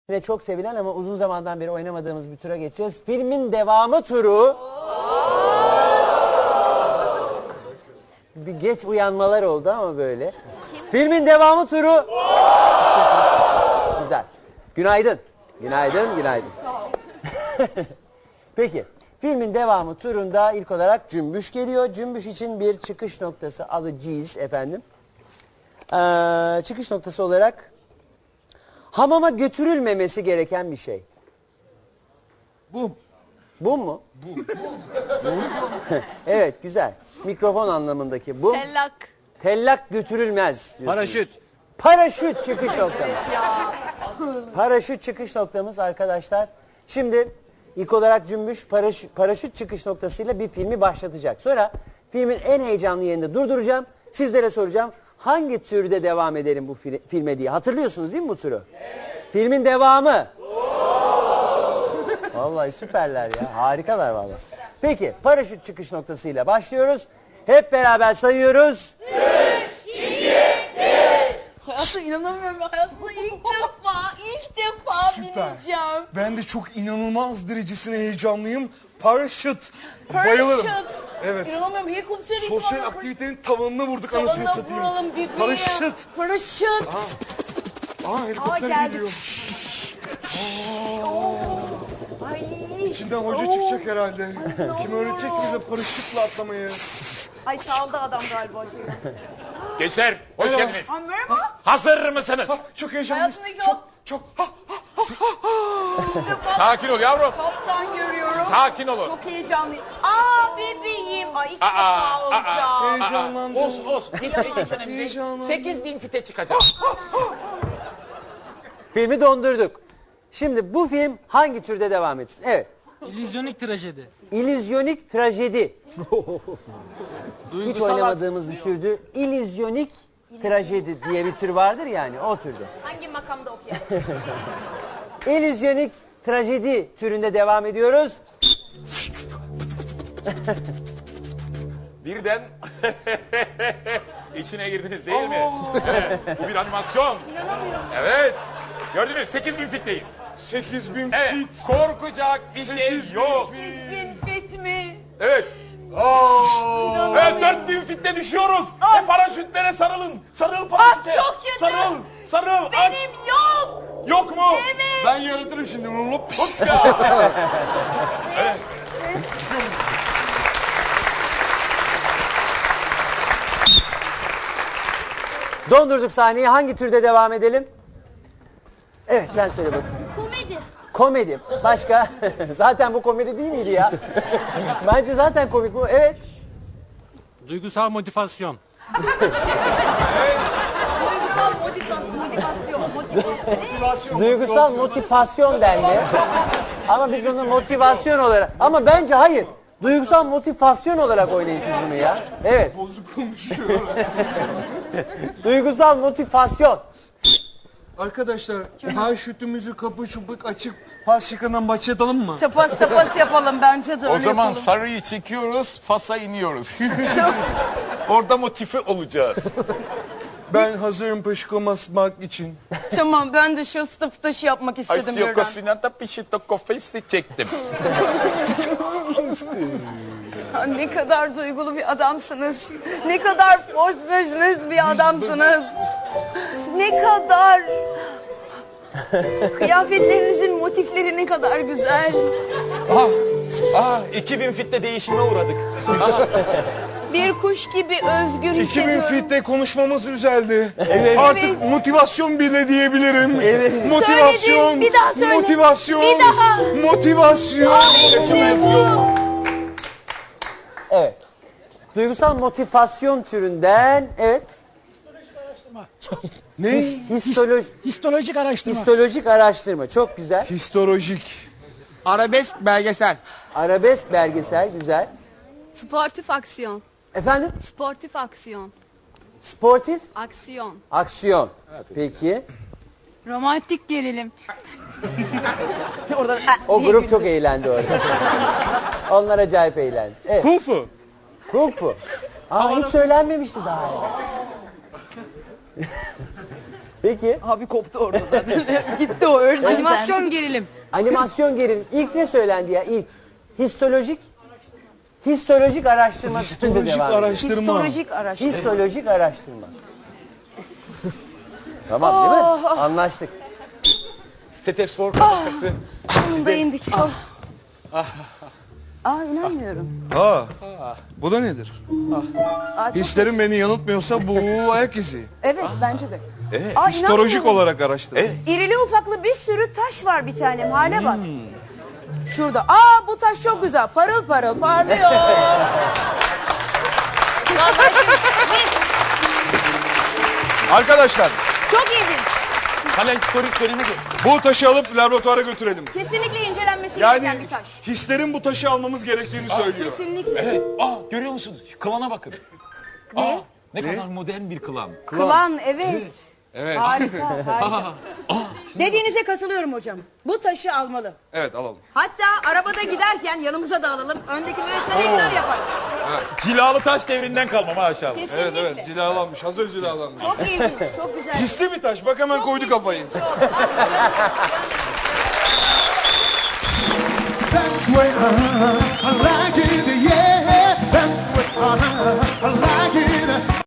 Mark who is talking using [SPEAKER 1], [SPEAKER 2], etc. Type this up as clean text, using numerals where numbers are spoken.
[SPEAKER 1] Ve çok sevilen ama uzun zamandan beri oynamadığımız bir tura geçeceğiz. Filmin devamı turu. Bir geç uyanmalar oldu ama böyle. Filmin devamı turu. Güzel. Günaydın. Günaydın, günaydın. Peki, filmin devamı turunda ilk olarak cümbüş geliyor. Cümbüş için bir çıkış noktası alacağız efendim. Çıkış noktası olarak hamama götürülmemesi gereken bir şey.
[SPEAKER 2] Bum.
[SPEAKER 1] Bum mu?
[SPEAKER 2] Bum.
[SPEAKER 1] Evet, güzel. Mikrofon anlamındaki bum.
[SPEAKER 3] Tellak.
[SPEAKER 1] Tellak götürülmez diyorsunuz.
[SPEAKER 4] Paraşüt.
[SPEAKER 1] Paraşüt çıkış noktamız. Paraşüt çıkış noktamız arkadaşlar. Şimdi ilk olarak cümbüş paraşüt çıkış noktasıyla bir filmi başlatacak. Sonra filmin en heyecanlı yerinde durduracağım. Sizlere soracağım hangi türde devam edelim bu filme diye. Hatırlıyorsunuz değil mi bu türü? Evet. Filmin devamı. Vallahi süperler ya. Harikalar vallahi. Peki paraşüt çıkış noktasıyla başlıyoruz. Hep beraber sayıyoruz.
[SPEAKER 3] 3, 2, 1. Hayatım inanamıyorum. Hayatımda ilk defa
[SPEAKER 2] Süper.
[SPEAKER 3] bineceğim.
[SPEAKER 2] Ben de çok inanılmaz derecesine heyecanlıyım. Paraşüt. Bayılırım. Evet.
[SPEAKER 3] İnanamıyorum. Helikopter
[SPEAKER 2] Sosyal aktivitenin tavanına vurduk anasını satayım.
[SPEAKER 3] vuralım bebeğim.
[SPEAKER 2] Paraşüt.
[SPEAKER 3] Paraşüt.
[SPEAKER 2] Aa helikopter
[SPEAKER 3] geldi.
[SPEAKER 2] geliyor.
[SPEAKER 3] Ay.
[SPEAKER 2] İçinden hoca çıkacak herhalde. Kim öğretecek bize paraşütle atlamayı?
[SPEAKER 3] Ay saldı adam galiba.
[SPEAKER 4] Gençler hoş
[SPEAKER 2] Merhaba.
[SPEAKER 4] geldiniz.
[SPEAKER 3] Ay merhaba.
[SPEAKER 4] Hazır mısınız?
[SPEAKER 2] Çok heyecanlıyız.
[SPEAKER 3] Hayatımda
[SPEAKER 2] Çok.
[SPEAKER 4] Sakin ol yavrum.
[SPEAKER 3] Kaptan görüyorum.
[SPEAKER 4] Sakin olun.
[SPEAKER 3] Çok heyecanlıyım. Aa bebeğim. Ay ilk defa olacağım.
[SPEAKER 2] Heyecanlandım.
[SPEAKER 4] Olsun. Hiç önemli değil.
[SPEAKER 2] Heyecanlandım.
[SPEAKER 4] 8000 fite çıkacak.
[SPEAKER 1] Filmi dondurduk. Şimdi bu film hangi türde devam etsin? Evet.
[SPEAKER 5] İllüzyonik trajedi.
[SPEAKER 1] İllüzyonik trajedi. Hiç
[SPEAKER 4] Duygusal
[SPEAKER 1] oynamadığımız bir türdü. İllüzyonik trajedi diye bir tür vardır yani o türde.
[SPEAKER 3] Hangi makamda okuyalım?
[SPEAKER 1] İllüzyonik trajedi türünde devam ediyoruz.
[SPEAKER 4] Birden içine girdiniz değil mi? Bu bir animasyon. Evet. Gördünüz 8000 fitteyiz.
[SPEAKER 2] 8000
[SPEAKER 4] Evet.
[SPEAKER 2] fit.
[SPEAKER 4] Korkacak bir şey
[SPEAKER 2] 8000
[SPEAKER 4] yok.
[SPEAKER 3] Bin fit mi?
[SPEAKER 4] Evet. Evet 4000 fitte düşüyoruz. Ve paraşütlere sarılın. Sarıl paraşüte.
[SPEAKER 3] çok kötü.
[SPEAKER 4] Sarıl. Aç.
[SPEAKER 3] Benim yok.
[SPEAKER 4] Yok mu?
[SPEAKER 3] Evet.
[SPEAKER 2] Ben yaratırım şimdi. Hop.
[SPEAKER 4] Hops ya.
[SPEAKER 1] Dondurduk sahneyi. Hangi türde devam edelim? Evet sen söyle bakayım.
[SPEAKER 3] Komedi.
[SPEAKER 1] Komedi. Başka? Zaten bu komedi değil miydi ya? Bence zaten komik bu. Evet.
[SPEAKER 5] Duygusal motivasyon.
[SPEAKER 3] Duygusal motivasyon.
[SPEAKER 1] Duygusal motivasyon dendi. Ama biz onu motivasyon olarak... Ama bence hayır. Duygusal motivasyon olarak oynayın siz bunu ya. Evet.
[SPEAKER 2] Bozuk konuşuyor.
[SPEAKER 1] Duygusal motivasyon.
[SPEAKER 2] Arkadaşlar paraşütümüzü kapı çubuk açıp pas şıkından başlatalım mı?
[SPEAKER 3] Tapas yapalım bence de
[SPEAKER 4] O
[SPEAKER 3] öyle
[SPEAKER 4] zaman
[SPEAKER 3] yapalım.
[SPEAKER 4] sarıyı çekiyoruz, Fas'a iniyoruz. Orada motive olacağız.
[SPEAKER 2] Ben hazırım pışkırmak için.
[SPEAKER 3] Tamam ben de şu sıfı taşı yapmak istedim
[SPEAKER 4] Açtıyor
[SPEAKER 3] birden.
[SPEAKER 4] kosinata pişito kofesi çektim.
[SPEAKER 3] Ha, ne kadar duygulu bir adamsınız. Ne kadar postacınız bir adamsınız. Ne kadar... Kıyafetlerinizin motifleri ne kadar güzel.
[SPEAKER 4] 2000 fitte değişime uğradık.
[SPEAKER 3] Bir kuş gibi özgür
[SPEAKER 2] 2000
[SPEAKER 3] hissediyorum.
[SPEAKER 2] fitte konuşmamız düzeldi. Artık motivasyon bile diyebilirim. Motivasyon.
[SPEAKER 3] Söyledin, bir daha söyle.
[SPEAKER 2] Motivasyon.
[SPEAKER 3] Bir daha.
[SPEAKER 2] Motivasyon.
[SPEAKER 3] İşte bu.
[SPEAKER 1] Evet. Duygusal motivasyon türünden... Evet.
[SPEAKER 2] Ne?
[SPEAKER 5] Histolojik araştırma.
[SPEAKER 1] Histolojik araştırma. Çok güzel.
[SPEAKER 2] Histolojik.
[SPEAKER 6] Arabesk belgesel.
[SPEAKER 1] Arabesk belgesel. Güzel.
[SPEAKER 7] Sportif aksiyon.
[SPEAKER 1] Efendim?
[SPEAKER 7] Sportif aksiyon.
[SPEAKER 1] Sportif
[SPEAKER 7] Aksiyon.
[SPEAKER 1] aksiyon. Peki.
[SPEAKER 7] Romantik gerilim.
[SPEAKER 1] O grup çok eğlendi orada. Onlar acayip eğlendi. Evet.
[SPEAKER 6] Kung fu.
[SPEAKER 1] Kung fu. Aa hiç söylenmemişti daha. Peki.
[SPEAKER 3] Abi koptu orada zaten. Gitti o öldü.
[SPEAKER 7] Animasyon gerilim.
[SPEAKER 1] Animasyon gerilim. İlk ne söylendi ya ilk? Histolojik araştırma. üstünde
[SPEAKER 2] Histolojik
[SPEAKER 1] devam ediyor.
[SPEAKER 2] araştırma.
[SPEAKER 3] Psikolojik araştırma.
[SPEAKER 1] Histolojik araştırma. Tamam değil mi? Anlaştık.
[SPEAKER 4] Steteskop kapakası.
[SPEAKER 3] Sonunda indik. İnanmıyorum.
[SPEAKER 2] Bu da nedir? Hislerim beni yanıltmıyorsa bu ayak izi.
[SPEAKER 3] Evet bence de.
[SPEAKER 2] Histolojik
[SPEAKER 3] inanmıyorum.
[SPEAKER 2] olarak araştırma.
[SPEAKER 3] İrili ufaklı bir sürü taş var bir tanem. Hale bak. Şurada. Bu taş çok güzel. Parıl parıl parlıyor.
[SPEAKER 2] Arkadaşlar
[SPEAKER 3] Çok ilginç.
[SPEAKER 4] Hala historik dönemi de.
[SPEAKER 2] bu taşı alıp laboratuvara götürelim.
[SPEAKER 3] Kesinlikle incelenmesi
[SPEAKER 2] Yani
[SPEAKER 3] gereken bir taş.
[SPEAKER 2] hislerin bu taşı almamız gerektiğini söylüyor.
[SPEAKER 3] Kesinlikle.
[SPEAKER 4] Evet. Görüyor musunuz? Şu kılana bakın.
[SPEAKER 3] Ne?
[SPEAKER 4] Ne kadar modern bir kılan.
[SPEAKER 3] Kılan, evet.
[SPEAKER 2] Evet.
[SPEAKER 3] Harika, harika. Dediğinize katılıyorum hocam. Bu taşı almalı.
[SPEAKER 2] Evet alalım.
[SPEAKER 3] Hatta arabada giderken yanımıza da alalım. Öndekilere selektör yaparız.
[SPEAKER 4] Cilalı taş devrinden kalma maşallah.
[SPEAKER 3] Kesinlikle.
[SPEAKER 2] Evet cilalanmış, hazır cilalanmış.
[SPEAKER 3] Çok ilginç, çok güzel.
[SPEAKER 2] Hisli bir taş, bak hemen koydu kafayı.
[SPEAKER 8] That's the way I like it.